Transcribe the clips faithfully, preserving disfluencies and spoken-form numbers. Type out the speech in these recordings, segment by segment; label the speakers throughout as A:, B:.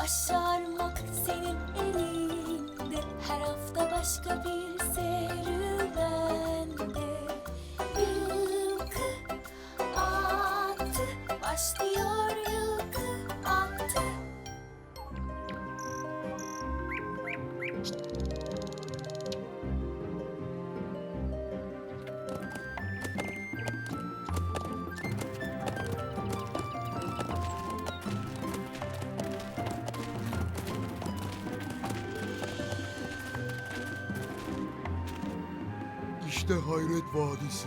A: Başarmak senin elinde, her hafta başka bir serüvende. Yılkı attı, başlıyor yılkı attı.
B: İşte Hayret Vadisi.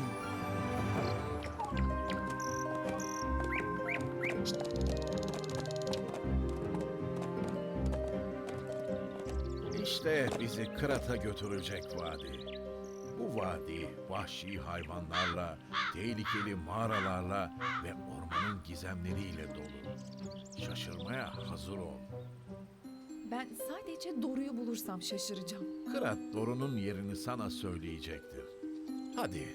C: İşte bizi Kırat'a götürecek vadi. Bu vadi vahşi hayvanlarla, tehlikeli mağaralarla ve ormanın gizemleriyle dolu. Şaşırmaya hazır ol.
D: Ben sadece Doru'yu bulursam şaşıracağım.
C: Kırat Doru'nun yerini sana söyleyecektir. Hadi.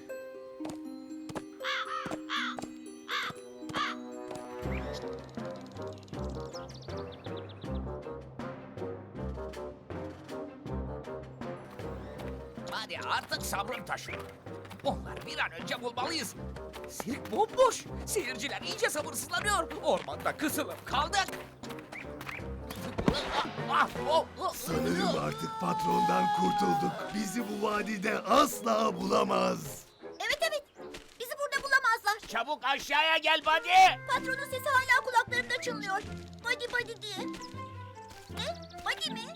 E: Hadi artık sabrım taşıyor. Onları bir an önce bulmalıyız. Sirk bomboş. Seyirciler iyice sabırsızlanıyor. Ormanda kısılıp kaldık.
B: Sanırım artık patrondan kurtulduk. Bizi bu vadide asla bulamaz.
F: Evet evet. Bizi burada bulamazlar.
E: Çabuk aşağıya gel Buddy.
F: Patronun sesi hala kulaklarımda çınlıyor. Body body diye. Ne? Body mi?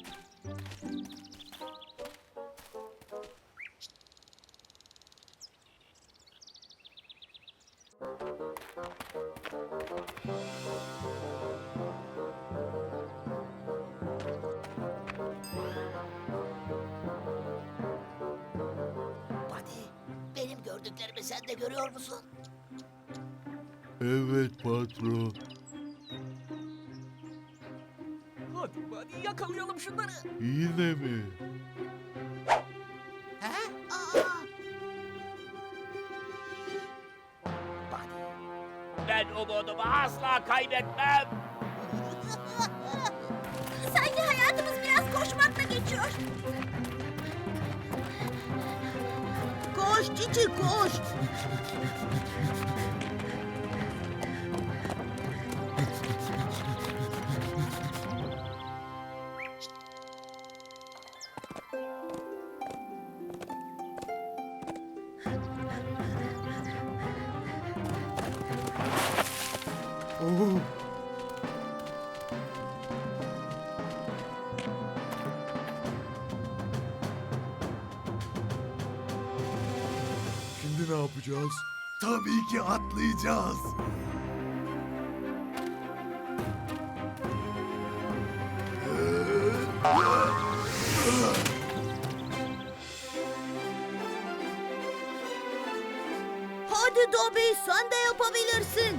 E: Buddy, benim gördüklerimi sen de görüyor musun?
B: Evet patron.
E: Hadi Buddy yakalayalım şunları.
B: Yine mi?
E: He?
F: Aa,
E: Buddy, ben umudumu asla kaybetmem.
F: sanki hayatımız biraz koşmakla geçiyor. Koş Cici koş.
B: Oo. Şimdi ne yapacağız? Tabii ki atlayacağız.
F: Hadi Dobby sen de yapabilirsin.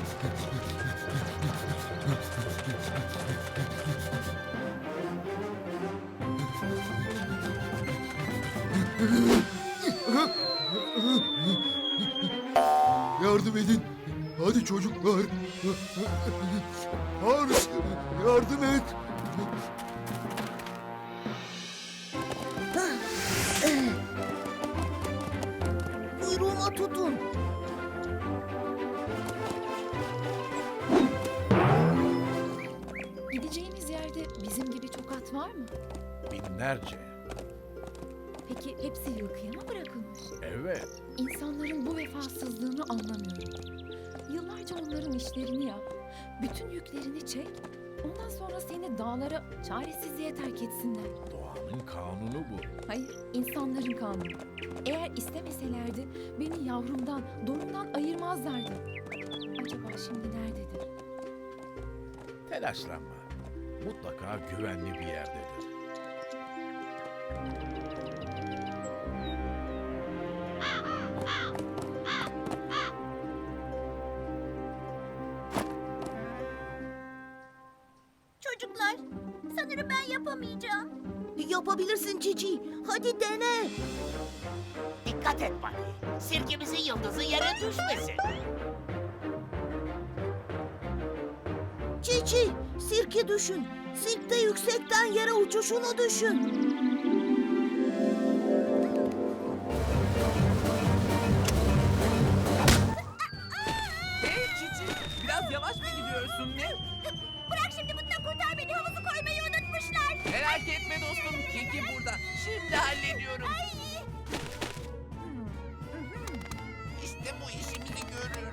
B: Yardım edin. Hadi çocuklar. Hans, yardım et.
F: Kuyruğuma tutun.
D: Gideceğimiz yerde bizim gibi çok at var mı?
C: Binlerce.
D: Peki hepsi yılkıya mı bırakılmış?
C: Evet.
D: İnsanların bu vefasızlığını anlamıyorum. Yıllarca onların işlerini yap, bütün yüklerini çek, ondan sonra seni dağlara çaresizliğe terk etsinler.
C: Doğanın kanunu bu.
D: Hayır, insanların kanunu. Eğer istemeselerdi beni yavrumdan, Doru'mdan ayırmazlardı. Acaba şimdi nerededir?
C: Telaşlanma. Mutlaka güvenli bir yerdedir.
F: Çocuklar sanırım ben yapamayacağım. Yapabilirsin Cici. Hadi dene.
E: Dikkat et Buddy. Sirkemizin yıldızı yere düşmesin.
F: Cici, sirke düşün. Sirkte yüksekten yere uçuşunu düşün.
E: Hey Cici, biraz yavaş mı gidiyorsun ne?
F: Bırak şimdi bundan kurtar beni, havuzu koymayı unutmuşlar.
E: Merak etme dostum, Kiki burada. Şimdi hallediyorum. İşte bu işimizi görür.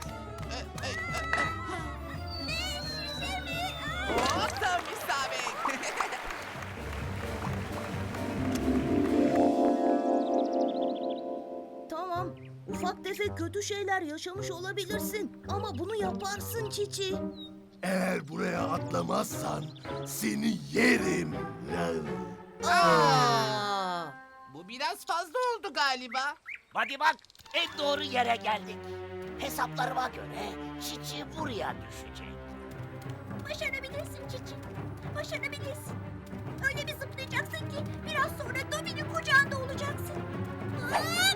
E: Oh, tam isabet.
F: Tamam, ufak tefek kötü şeyler yaşamış olabilirsin. Ama bunu yaparsın Çiçi.
B: Eğer buraya atlamazsan seni yerim.
F: Aa!
E: Bu biraz fazla oldu galiba.
G: Hadi bak, en doğru yere geldik. Hesaplarıma göre Çiçi buraya düşecek.
F: Başarabilirsin Çiçi. Başarabilirsin. Öyle bir zıplayacaksın ki biraz sonra Dobby'nin kucağında olacaksın. Hop!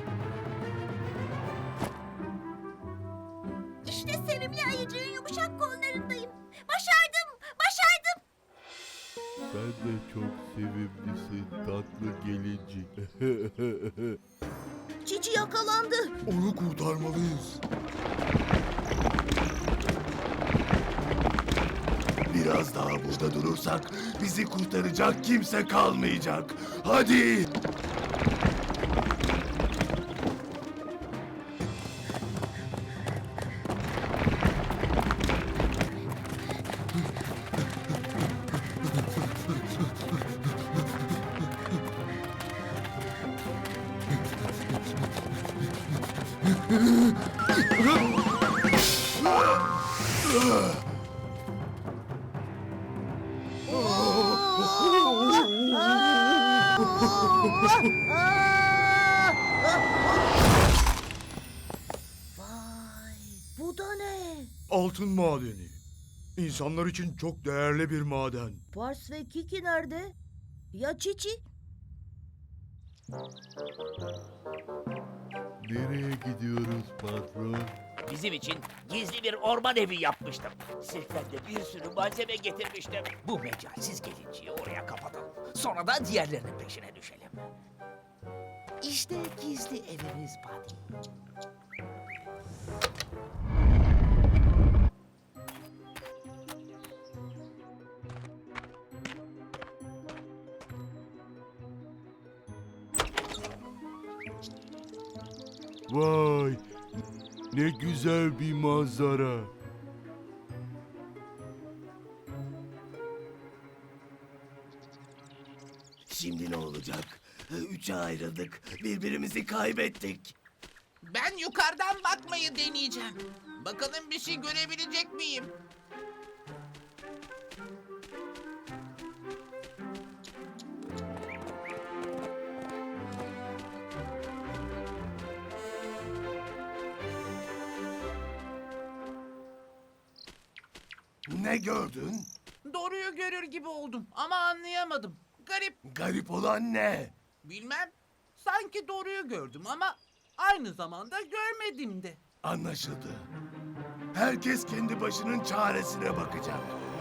F: İşte sevimli ayıcığın yumuşak kollarındayım. Başardım, başardım.
H: Sen de çok sevimlisin tatlı gelincik.
F: Çiçi yakalandı.
B: Onu kurtarmalıyız. Biraz daha burada durursak bizi kurtaracak kimse kalmayacak. Hadi!
F: Vay, bu da ne?
B: Altın madeni. İnsanlar için çok değerli bir maden.
F: Pars ve Kiki nerede? Ya Çiçi?
H: Nereye gidiyoruz patron?
G: Bizim için gizli bir orman evi yapmıştım. Sirkten de bir sürü malzeme getirmiştim.
E: Bu mecalsiz gelinciyi oraya kapatalım. Sonra da diğerlerinin peşine düşelim. İşte gizli evimiz Buddy.
H: Vay! Ne güzel bir manzara.
B: Şimdi ne olacak? Üçe ayrıldık. Birbirimizi kaybettik.
I: Ben yukarıdan bakmayı deneyeceğim. Bakalım bir şey görebilecek miyim?
B: Ne gördün?
I: Doğruyu görür gibi oldum ama anlayamadım. Garip,
B: Garip olan ne?
I: bilmem. Sanki doğruyu gördüm ama aynı zamanda görmedim de.
B: Anlaşıldı. Herkes kendi başının çaresine bakacak.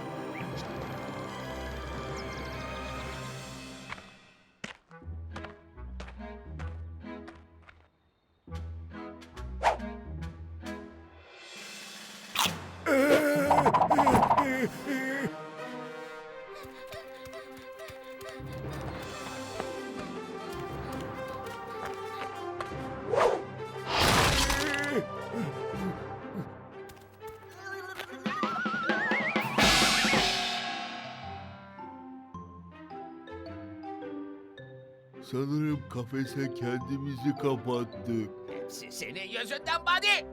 H: Sanırım kafese kendimizi kapattık.
E: Hepsi senin yüzünden Buddy.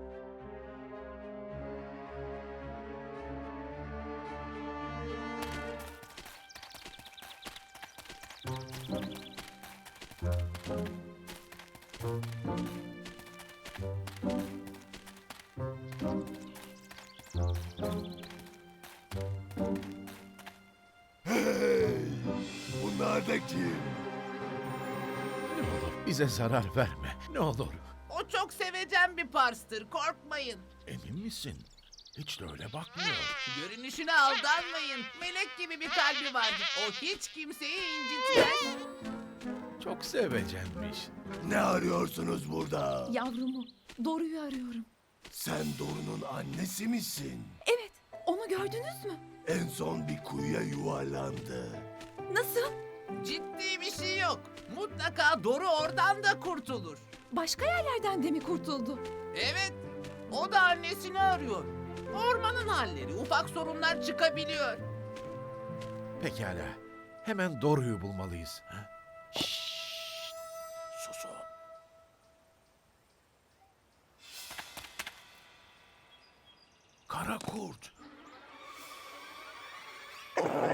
B: Hey! Bunlar da kim?
C: Ne olur bize zarar verme. Ne olur.
I: O çok sevecen bir parstır, korkmayın.
C: Emin misin? Hiç de öyle bakmıyor.
I: Görünüşüne aldanmayın. Melek gibi bir kalbi vardır. O hiç kimseyi incitmez.
C: Çok sevecenmiş.
B: Ne arıyorsunuz burada?
D: Yavrumu, Doru'yu arıyorum.
B: Sen Doru'nun annesi misin?
D: Evet, onu gördünüz mü?
B: En son bir kuyuya yuvarlandı.
D: Nasıl?
I: Ciddi bir şey yok. Mutlaka Doru oradan da kurtulur.
D: Başka yerlerden de mi kurtuldu?
I: Evet, o da annesini arıyor. Ormanın halleri, ufak sorunlar çıkabiliyor.
C: Pekala. Hemen Doru'yu bulmalıyız. Ha? Şşş! Susun. Kara kurt.